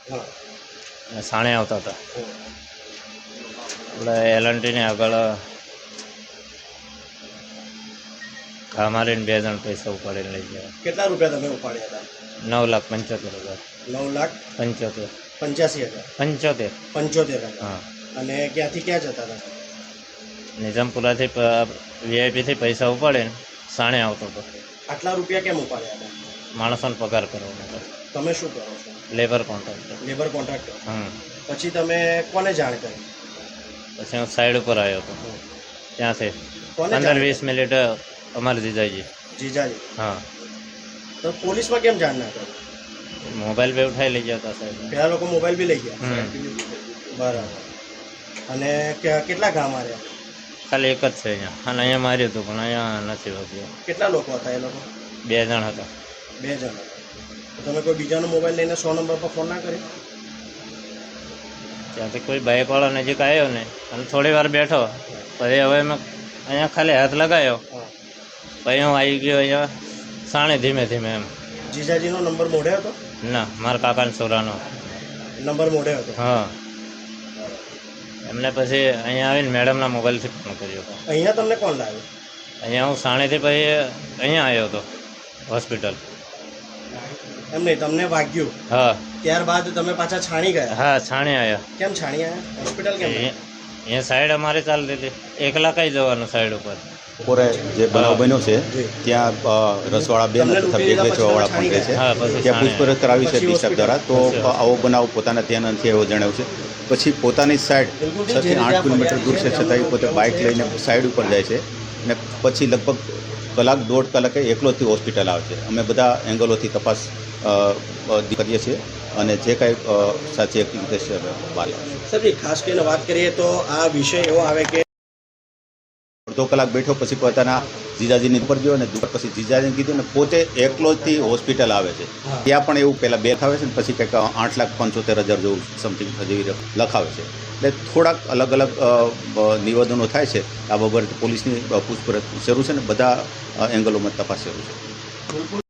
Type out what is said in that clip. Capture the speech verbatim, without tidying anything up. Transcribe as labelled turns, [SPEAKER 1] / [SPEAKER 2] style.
[SPEAKER 1] હા
[SPEAKER 2] અને સાણે આવતા હતા. આપણે એલએનટીની આગળ ઘા મારીને બે જણ પૈસા ઉપાડીને લઈ ગયા.
[SPEAKER 1] કેટલા રૂપિયા તમે ઉપાડ્યા હતા?
[SPEAKER 2] નવ લાખ પંચોતેર હજાર
[SPEAKER 1] નવ લાખ
[SPEAKER 2] પંચોતેર
[SPEAKER 1] પંચ્યાસી હજાર
[SPEAKER 2] પંચોતેર
[SPEAKER 1] પંચોતેર હજાર.
[SPEAKER 2] હા.
[SPEAKER 1] અને ક્યાંથી ક્યાં જતા હતા?
[SPEAKER 2] નિઝામપુરાથી વીઆઈપીથી પૈસા ઉપાડીને સાણે આવતો હતો.
[SPEAKER 1] આટલા રૂપિયા કેમ ઉપાડ્યા હતા?
[SPEAKER 2] માણસોને પગાર કરવાનો હતો.
[SPEAKER 1] તમે શું કરો છો?
[SPEAKER 2] Labour contractor.
[SPEAKER 1] Labour contractor.
[SPEAKER 2] હમ
[SPEAKER 1] પછી તમે કોને જાણ કરી?
[SPEAKER 2] પછી હું સાઈડ ઉપર આવ્યો હતો. ત્યાંથી
[SPEAKER 1] કોને
[SPEAKER 2] પંદર
[SPEAKER 1] જાણ
[SPEAKER 2] વીસ મિનિટ અમારે જીજાજી.
[SPEAKER 1] જીજાજી.
[SPEAKER 2] હા.
[SPEAKER 1] તો પોલીસમાં કેમ જાણ ના કરી?
[SPEAKER 2] મોબાઈલ બે ઉઠાઈ લઈ ગયા હતા સાહેબ.
[SPEAKER 1] પેલા લોકો મોબાઈલ બી લઈ ગયા.
[SPEAKER 2] હમ
[SPEAKER 1] બરાબર. અને કે- કેટલા ઘા માર્યા?
[SPEAKER 2] ખાલી એક જ છે અહીંયા. અને અહીંયા માર્યું હતું પણ અહીંયા નથી વાગ્યું.
[SPEAKER 1] કેટલા લોકો હતા એ લોકો?
[SPEAKER 2] બે જણ હતા.
[SPEAKER 1] બે જણ હતા. તો તમે કોઈ બીજાનો મોબાઈલ લઈને સો નંબર પર ફોન ના કરી?
[SPEAKER 2] ત્યાંથી કોઈ બાઇકવાળો નજીક આવ્યો ને અને થોડી વાર બેઠો પછી હવે મેં અહીંયા ખાલી હાથ લગાવ્યો
[SPEAKER 1] હા.
[SPEAKER 2] પછી હું આવી ગયો અહીંયા સાણે ધીમે ધીમે એમ.
[SPEAKER 1] જીજાજીનો નંબર મોઢે હતો?
[SPEAKER 2] ના મારા કાકાના છોરાનો.
[SPEAKER 1] નંબર મોઢે હતો.
[SPEAKER 2] હા. એમને પછી અહીંયા આવીને મેડમના મોબાઈલથી ફોન કર્યો હતો.
[SPEAKER 1] અહીંયા તમને કોણ લાવ્યું?
[SPEAKER 2] અહીંયા હું સાણેથી પછી અહીંયા આવ્યો હતો હોસ્પિટલ.
[SPEAKER 1] એમ નહીં, તમને વાગ્યું
[SPEAKER 2] હા
[SPEAKER 1] ત્યારબાદ તમે પાછા છાણી ગયા?
[SPEAKER 2] હા છાણે આવ્યા.
[SPEAKER 1] કેમ છાણી આવ્યા? હોસ્પિટલ કેમ ગયા?
[SPEAKER 2] અહીંયા સાઈડ અમારે ચાલતી હતી. એકલા કઈ જવાનું સાઈડ ઉપર.
[SPEAKER 3] બપોરે જે બનાવ બન્યો છે ત્યાં અ, રસવાળા બેન
[SPEAKER 1] તમને
[SPEAKER 3] તથા
[SPEAKER 1] લૂંટી
[SPEAKER 3] બેગ
[SPEAKER 1] લીધા
[SPEAKER 3] વેચવાવાળા
[SPEAKER 1] પછી
[SPEAKER 3] પણ રહે છે.
[SPEAKER 2] હા પછી
[SPEAKER 3] ત્યાં
[SPEAKER 2] સાણે
[SPEAKER 3] પૂછપરછ કરાવી છે
[SPEAKER 1] પછી
[SPEAKER 3] ડિસ્ટર્બ દ્વારા, તો
[SPEAKER 2] પછી
[SPEAKER 3] આવો બનાવ પોતાના ધ્યાન નથી એવો જણાવ્યું છે. પછી પોતાની સાઈડ છ થી આઠ કિલોમીટર દૂર છે છતાંય પોતે બાઇક લઈને સાઈડ ઉપર જાય છે અને પછી લગભગ કલાક દોઢ કલાકે એકલોથી હોસ્પિટલ આવે છે. અમે બધા એંગલોથી તપાસ અ, અ, કરીએ છીએ અને જે કાંઈ અ, સાચી હકીકત છે હવે બહાર લાવશું.
[SPEAKER 1] સાહેબ, ખાસ કરીને વાત કરીએ તો આ વિષય એવો આવે કે
[SPEAKER 3] અડધો કલાક બેઠો પછી પોતાના જીજાજીની ઉપર ગયો અને દુપાર પછી જીજાજીને કીધું ને પોતે એકલો જ હોસ્પિટલ આવે છે. ત્યાં પણ એવું પહેલાં બે આવે છે ને પછી કંઈક આઠ લાખ પંચોતેર હજાર જેવું સમથિંગ જેવી લખાવે છે. એટલે થોડાક અલગ અલગ અ, અ, નિવેદનો થાય છે. આ બાબતે પોલીસની પૂછપરછ શરૂ છે ને બધા એંગલોમાં તપાસ શરૂ છે.